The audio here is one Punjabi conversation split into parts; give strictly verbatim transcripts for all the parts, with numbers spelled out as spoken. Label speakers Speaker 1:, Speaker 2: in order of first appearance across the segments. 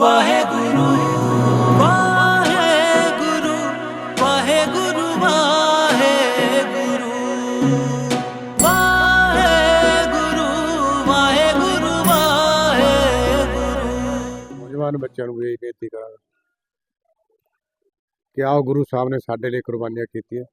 Speaker 1: ਵਾਹਿਗੁਰੂ ਵਾਹਿਗੁਰੂ ਵਾਹਿਗੁਰੂ ਵਾਹਿਗੁਰੂ ਵਾਹਿਗੁਰੂ ਵਾਹਿਗੁਰੂ ਵਾਹਿਗੁਰੂ।
Speaker 2: ਨੌਜਵਾਨ ਬੱਚਿਆਂ ਨੂੰ ਇਹ ਬੇਨਤੀ ਕਰਾਂਗਾ ਕਿ ਆਓ ਗੁਰੂ ਸਾਹਿਬ ਨੇ ਸਾਡੇ ਲਈ ਕੁਰਬਾਨੀਆਂ ਕੀਤੀਆਂ,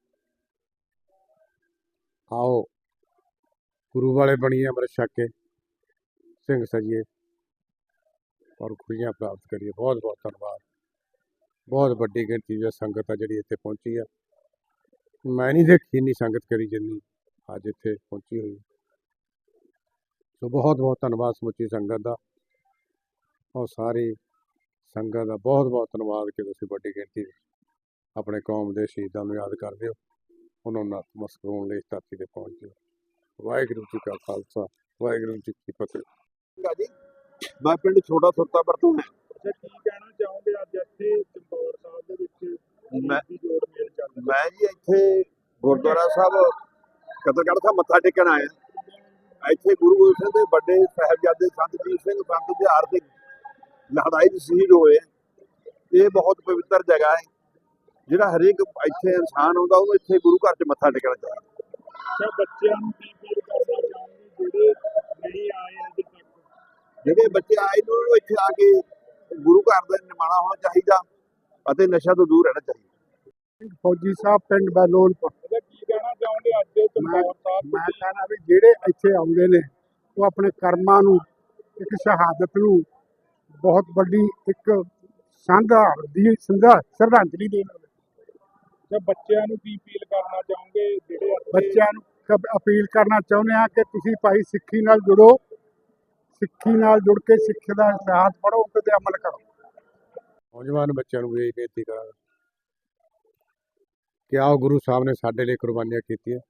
Speaker 2: ਆਓ ਗੁਰੂ ਵਾਲੇ ਬਣੀਏ, ਅੰਮ੍ਰਿਤ ਛਕ ਕੇ ਸਿੰਘ ਸਜੀਏ ਔਰ ਖੁਸ਼ੀਆਂ ਪ੍ਰਾਪਤ ਕਰੀਏ। ਬਹੁਤ ਬਹੁਤ ਧੰਨਵਾਦ। ਬਹੁਤ ਵੱਡੀ ਗਿਣਤੀ ਵਿੱਚ ਸੰਗਤ ਆ ਜਿਹੜੀ ਇੱਥੇ ਪਹੁੰਚੀ ਆ। ਮੈਂ ਨਹੀਂ ਦੇਖੀ ਇੰਨੀ ਸੰਗਤ ਕਰੀ ਜਿੰਨੀ ਅੱਜ ਇੱਥੇ ਪਹੁੰਚੀ ਹੋਈ। ਸੋ ਬਹੁਤ ਬਹੁਤ ਧੰਨਵਾਦ ਸਮੁੱਚੀ ਸੰਗਤ ਦਾ ਔਰ ਸਾਰੀ ਸੰਗਤ ਦਾ ਬਹੁਤ ਬਹੁਤ ਧੰਨਵਾਦ ਕਿ ਤੁਸੀਂ ਵੱਡੀ ਗਿਣਤੀ ਵਿੱਚ ਆਪਣੇ ਕੌਮ ਦੇ ਸ਼ਹੀਦਾਂ ਨੂੰ ਯਾਦ ਕਰਦੇ ਹੋ, ਉਹਨਾਂ ਨੂੰ ਨਤਮਸਤਕ ਹੋਣ ਲਈ ਇਸ ਧਰਤੀ 'ਤੇ ਪਹੁੰਚਦੇ ਹੋ। ਵਾਹਿਗੁਰੂ ਜੀ ਕਾ ਖਾਲਸਾ, ਵਾਹਿਗੁਰੂ ਜੀ ਕੀ ਫਤਿਹ।
Speaker 3: ਜੀ ਮੈਂ ਪਿੰਡ ਛੋਟਾ ਸੁਰਤਾਪੁਰ ਤੋਂ ਹਾਂ।
Speaker 4: ਅੱਛਾ, ਕੀ ਕਹਿਣਾ ਚਾਹੋਗੇ ਅੱਜ ਇੱਥੇ ਚਮਕੌਰ ਸਾਹਿਬ ਦੇ ਵਿੱਚ
Speaker 3: ਮੈਂ
Speaker 4: ਜੋੜ ਮੇਲ ਚੱਲ ਰਿਹਾ?
Speaker 3: ਮੈਂ ਜੀ ਇੱਥੇ ਗੁਰਦੁਆਰਾ ਸਾਹਿਬ ਕਤਲਗੜ੍ਹ ਸਾਹਿਬ ਮੱਥਾ ਟੇਕਣ ਆਇਆ। ਇੱਥੇ ਗੁਰੂ ਗੋਬਿੰਦ ਸਿੰਘ ਦੇ ਵੱਡੇ ਸਾਹਿਬਜ਼ਾਦੇ ਸੰਤ ਜੀਤ ਸਿੰਘ ਸੰਤ ਤਿਉਹਾਰ ਦੇ ਲੜਾਈ 'ਚ ਸ਼ਹੀਦ ਹੋਏ। ਇਹ ਬਹੁਤ ਪਵਿੱਤਰ ਜਗ੍ਹਾ ਹੈ, ਜਿਹੜਾ ਹਰੇਕ ਇੱਥੇ ਇਨਸਾਨ ਆਉਂਦਾ ਉਹਨੂੰ ਇੱਥੇ ਗੁਰੂ ਘਰ 'ਚ ਮੱਥਾ ਟੇਕਣਾ ਚਾਹੀਦਾ।
Speaker 4: ਅੱਛਾ, ਬੱਚਿਆਂ ਨੂੰ ਕੀ ਫੀਲ ਕਰਨਾ ਚਾਹੋਗੇ ਜਿਹੜੇ ਨਹੀਂ ਆਏ ਅਜੇ ਤੱਕ?
Speaker 3: ਜਿਹੜੇ ਬੱਚੇ ਆਏ ਨੇ ਉਹਨੂੰ ਇੱਥੇ ਆ ਕੇ ਗੁਰੂ ਘਰ ਦਾ ਨਿਮਾਣਾ ਹੋਣਾ ਚਾਹੀਦਾ ਅਤੇ ਨਸ਼ਾ ਤੋਂ ਦੂਰ ਰਹਿਣਾ ਚਾਹੀਦਾ।
Speaker 2: ਫੌਜੀ ਸਾਹਿਬ ਪਿੰਡ ਬੈਲੋਨਪੁਰ।
Speaker 4: ਅੱਛਾ, ਕੀ ਕਹਿਣਾ ਚਾਹੋਗੇ ਅੱਜ ਚਮਕੌਰ ਸਾਹਿਬ?
Speaker 2: ਮੈਂ ਕਹਿਣਾ ਵੀ ਜਿਹੜੇ ਇੱਥੇ ਆਉਂਦੇ ਨੇ ਉਹ ਆਪਣੇ ਕਰਮਾਂ ਨੂੰ, ਇੱਕ ਸ਼ਹਾਦਤ ਨੂੰ ਬਹੁਤ ਵੱਡੀ ਇੱਕ ਸਾਂਝਾ ਦੀ ਸੰਧਾ ਸ਼ਰਧਾਂਜਲੀ ਦੇਣ।
Speaker 4: ਅੱਛਾ, ਬੱਚਿਆਂ ਨੂੰ ਕੀ ਫੀਲ ਕਰਨਾ ਚਾਹੋਗੇ ਜਿਹੜੇ ਇੱਥੇ?
Speaker 2: ਬੱਚਿਆਂ ਨੂੰ ਕ- ਅਪੀਲ ਕਰਨਾ ਚਾਹੁੰਦੇ ਹਾਂ ਕਿ ਤੁਸੀਂ ਭਾਈ ਸਿੱਖੀ ਨਾਲ ਜੁੜੋ, ਸਿੱਖੀ ਨਾਲ ਜੁੜ ਕੇ ਸਿੱਖ ਦਾ ਇਤਿਹਾਸ ਪੜ੍ਹੋ ਤੇ ਅਮਲ ਕਰੋ। ਨੌਜਵਾਨ ਬੱਚਿਆਂ ਨੂੰ ਇਹ ਬੇਨਤੀ ਕਰਾਂਗਾ ਕਿ ਆਓ ਗੁਰੂ ਸਾਹਿਬ ਨੇ ਸਾਡੇ ਲਈ ਕੁਰਬਾਨੀਆਂ ਕੀਤੀਆਂ,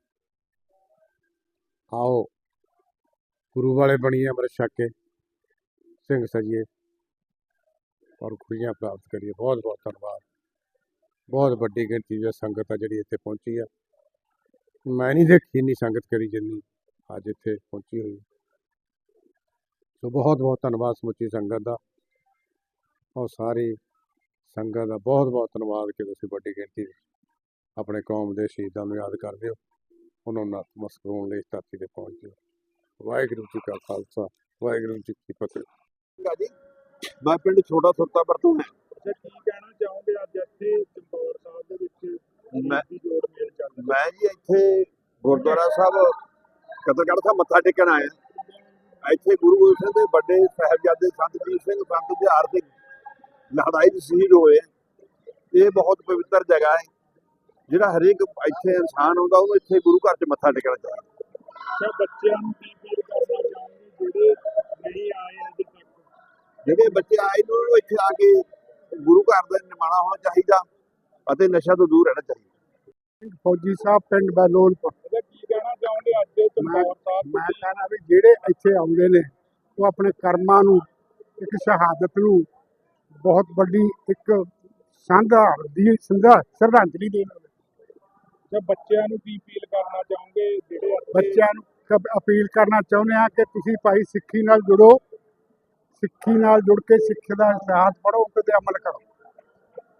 Speaker 2: ਆਓ ਗੁਰੂ ਵਾਲੇ ਬਣੀਏ, ਅੰਮ੍ਰਿਤ ਛਕ ਕੇ ਸਿੰਘ ਸਜੀਏ ਔਰ ਖੁਸ਼ੀਆਂ ਪ੍ਰਾਪਤ ਕਰੀਏ। ਬਹੁਤ ਬਹੁਤ ਧੰਨਵਾਦ। ਬਹੁਤ ਵੱਡੀ ਗਿਣਤੀ ਵਿੱਚ ਸੰਗਤ ਆ ਜਿਹੜੀ ਇੱਥੇ ਪਹੁੰਚੀ ਆ। ਮੈਂ ਨਹੀਂ ਦੇਖੀ ਇੰਨੀ ਸੰਗਤ ਕਰੀ ਜਿੰਨੀ ਅੱਜ ਇੱਥੇ ਪਹੁੰਚੀ ਹੋਈ। ਸੋ ਬਹੁਤ ਬਹੁਤ ਧੰਨਵਾਦ ਸਮੁੱਚੀ ਸੰਗਤ ਦਾ ਔਰ ਸਾਰੀ ਸੰਗਤ ਦਾ ਬਹੁਤ ਬਹੁਤ ਧੰਨਵਾਦ ਕਿ ਤੁਸੀਂ ਵੱਡੀ ਗਿਣਤੀ ਵਿੱਚ ਆਪਣੇ ਕੌਮ ਦੇ ਸ਼ਹੀਦਾਂ ਨੂੰ ਯਾਦ ਕਰਦੇ ਹੋ, ਉਹਨਾਂ ਨੂੰ ਨਤਮਸਤਕ ਹੋਣ ਲਈ ਇਸ ਧਰਤੀ 'ਤੇ ਪਹੁੰਚਦੇ ਹੋ। ਵਾਹਿਗੁਰੂ ਜੀ ਕਾ ਖਾਲਸਾ, ਵਾਹਿਗੁਰੂ ਜੀ ਕੀ ਫਤਿਹ।
Speaker 3: ਜੀ ਮੈਂ ਪਿੰਡ ਛੋਟਾ ਸੁਰਤਾਪੁਰ ਤੋਂ ਹਾਂ।
Speaker 4: ਅੱਛਾ, ਕੀ ਕਹਿਣਾ ਚਾਹੋਗੇ ਅੱਜ ਇੱਥੇ ਚਮਕੌਰ ਸਾਹਿਬ ਦੇ ਵਿੱਚ
Speaker 3: ਮੈਂ
Speaker 4: ਜੋੜ ਮੇਲ ਚੱਲ ਰਿਹਾ?
Speaker 3: ਮੈਂ ਜੀ ਇੱਥੇ ਗੁਰਦੁਆਰਾ ਸਾਹਿਬ ਕਤਲਗੜ੍ਹ ਸਾਹਿਬ ਮੱਥਾ ਟੇਕਣ ਆਇਆ। ਇੱਥੇ ਗੁਰੂ ਗੋਬਿੰਦ ਸਿੰਘ ਦੇ ਵੱਡੇ ਸਾਹਿਬਜ਼ਾਦੇ ਸੰਤ ਜੀਤ ਸਿੰਘ ਸੰਤ ਤਿਉਹਾਰ ਦੇ ਲੜਾਈ 'ਚ ਸ਼ਹੀਦ ਹੋਏ। ਇਹ ਬਹੁਤ ਪਵਿੱਤਰ ਜਗ੍ਹਾ ਹੈ, ਜਿਹੜਾ ਹਰੇਕ ਇੱਥੇ ਇਨਸਾਨ ਆਉਂਦਾ ਉਹਨੂੰ ਇੱਥੇ ਗੁਰੂ ਘਰ 'ਚ ਮੱਥਾ ਟੇਕਣਾ ਚਾਹੀਦਾ।
Speaker 4: ਅੱਛਾ, ਬੱਚਿਆਂ ਨੂੰ ਕੀ ਫੀਲ ਕਰਨਾ ਚਾਹੋਗੇ ਜਿਹੜੇ ਨਹੀਂ ਆਏ ਅਜੇ ਤੱਕ?
Speaker 3: ਜਿਹੜੇ ਬੱਚੇ ਆਏ ਨੇ ਉਹਨੂੰ ਇੱਥੇ ਆ ਕੇ ਗੁਰੂ ਘਰ ਦਾ ਨਿਮਾਣਾ ਹੋਣਾ ਚਾਹੀਦਾ ਅਤੇ ਨਸ਼ਾ ਤੋਂ ਦੂਰ ਰਹਿਣਾ ਚਾਹੀਦਾ।
Speaker 2: ਫੌਜੀ ਸਾਹਿਬ ਪਿੰਡ ਬੈਲੋਨਪੁਰ।
Speaker 4: ਅੱਛਾ, ਕੀ ਕਹਿਣਾ ਚਾਹੋਗੇ ਅੱਜ ਚਮਕੌਰ ਸਾਹਿਬ?
Speaker 2: ਮੈਂ ਕਹਿਣਾ ਵੀ ਜਿਹੜੇ ਇੱਥੇ ਆਉਂਦੇ ਨੇ ਉਹ ਆਪਣੇ ਕਰਮਾਂ ਨੂੰ, ਇੱਕ ਸ਼ਹਾਦਤ ਨੂੰ ਬਹੁਤ ਵੱਡੀ ਇੱਕ ਸਾਂਝਾ ਦੀ ਸੰਧਾ ਸ਼ਰਧਾਂਜਲੀ ਦੇਣ।
Speaker 4: ਅੱਛਾ, ਬੱਚਿਆਂ ਨੂੰ ਕੀ ਫੀਲ ਕਰਨਾ ਚਾਹੋਗੇ ਜਿਹੜੇ ਇੱਥੇ?
Speaker 2: ਬੱਚਿਆਂ ਨੂੰ ਕ- ਅਪੀਲ ਕਰਨਾ ਚਾਹੁੰਦੇ ਹਾਂ ਕਿ ਤੁਸੀਂ ਭਾਈ ਸਿੱਖੀ ਨਾਲ ਜੁੜੋ, ਸਿੱਖੀ ਨਾਲ ਜੁੜ ਕੇ ਸਿੱਖ ਦਾ ਇਤਿਹਾਸ ਪੜ੍ਹੋ ਤੇ ਅਮਲ ਕਰੋ।